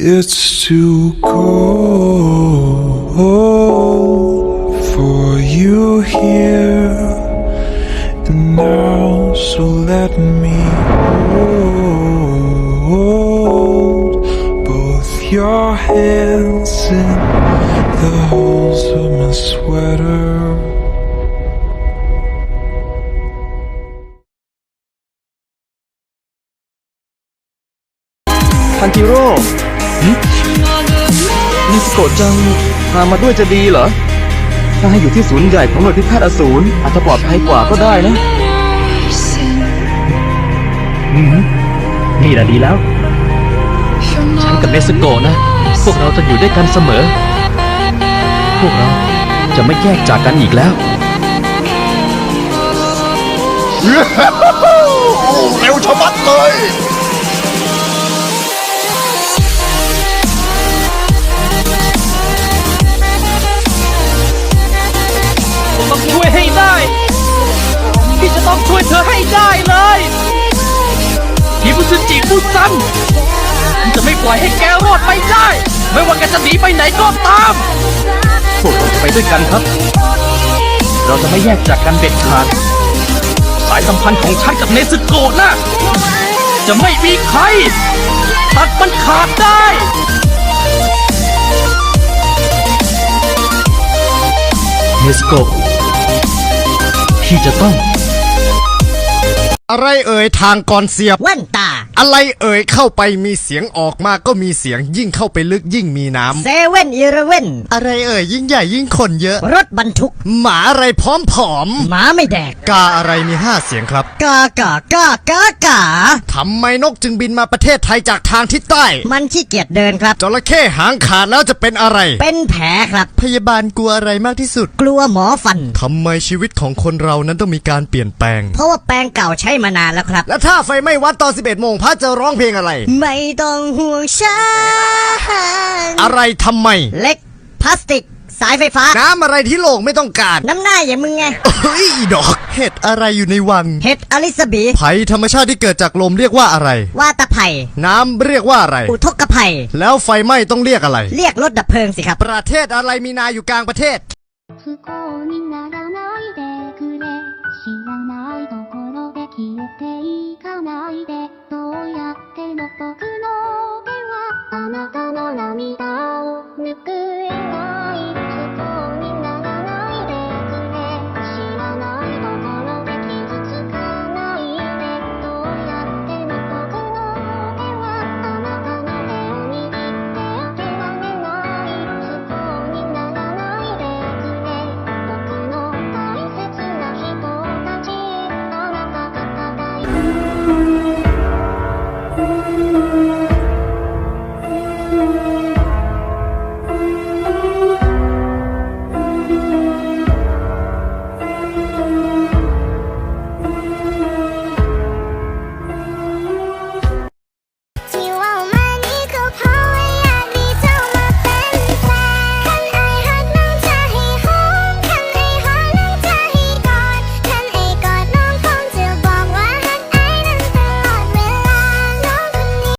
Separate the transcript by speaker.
Speaker 1: It's too cold for you here and now, so let me hold both your hands in the holes of my sweater.
Speaker 2: ทันจิโร่นิสโกะจังพามาด้วยจะดีเหรอถ้าให้อยู่ที่ศูนย์ใหญ่ของหน่วยพิฆาตอสูรอาจจะปลอดภัยกว่าก็ได้นะนี่แหละดีแล้วฉันกับเนสโกะนะพวกเราจะอยู่ด้วยกันเสมอพวกเราจะไม่แยกจากกันอีกแล้ว
Speaker 3: เร็วชะมัดเลย
Speaker 2: ต้องช่วยให้ได้พี่จะต้องช่วยเธอให้ได้เลยฮิบุซึจิบุซันจะไม่ปล่อยให้แกรอดไปได้ไม่ว่าแกจะหนีไปไหนก็ตามพวกเราจะไปด้วยกันครับเราจะไม่แยกจากกันเด็ดขาดสายสัมพันธ์ของฉันกับเนซึโกะนะจะไม่มีใครตัดมันขาดได้เนซึโกะที่จะต้อง
Speaker 4: อะไรเอ่ยทางก่อนเสียบ
Speaker 5: แว่นตา
Speaker 4: อะไรเอ่ยเข้าไปมีเสียงออกมาก็มีเสียงยิ่งเข้าไปลึกยิ่งมีน้ำ
Speaker 5: เซเว่นอีเลฟเว่น
Speaker 4: อะไรเอ่ยยิ่งใหญ่ยิ่งคนเยอะ
Speaker 5: รถบรรทุก
Speaker 4: หมาอะไรพร้อมผอม
Speaker 5: หมาไม่แดก
Speaker 4: กาอะไรมี5เสียงครับ
Speaker 5: กากา
Speaker 4: ทำไมนกจึงบินมาประเทศไทยจากทางทิศใต้
Speaker 5: มันขี้เกียจเดินครับ
Speaker 4: จระเข้หางขาดแล้วจะเป็นอะไร
Speaker 5: เป็นแผลครับ
Speaker 4: พยาบาลกลัวอะไรมากที่สุด
Speaker 5: กลัวหมอฟัน
Speaker 4: ทำไมชีวิตของคนเรานั้นต้องมีการเปลี่ยนแปลง
Speaker 5: เพราะว่าแปรงเก่าใช้มานานแล้วครับ
Speaker 4: และถ้าไฟไหม้วัดตอน11 โมงพระจะร้องเพลงอะไร
Speaker 5: ไม่ต้องห่วงฉัน
Speaker 4: อะไรทำไม
Speaker 5: เล็กพลาสติกสายไฟฟ้า
Speaker 4: น้ำอะไรที่โลกไม่ต้องการ
Speaker 5: น้ำหน้าอย่างมึงไง
Speaker 4: เฮ้ยดอกเห็ดอะไรอยู่ในวัง
Speaker 5: เห็ดอลิซาบี
Speaker 4: ไผ่ธรรมชาติที่เกิดจากลมเรียกว่าอะไร
Speaker 5: วาตะไผ่
Speaker 4: น้ำเรียกว่าอะไร
Speaker 5: อุทกไผ่
Speaker 4: แล้วไฟไหม้ต้องเรียกอะไร
Speaker 5: เรียกรถดับเพลิงสิครับ
Speaker 4: ประเทศอะไรมีนาอยู่กลางประเทศ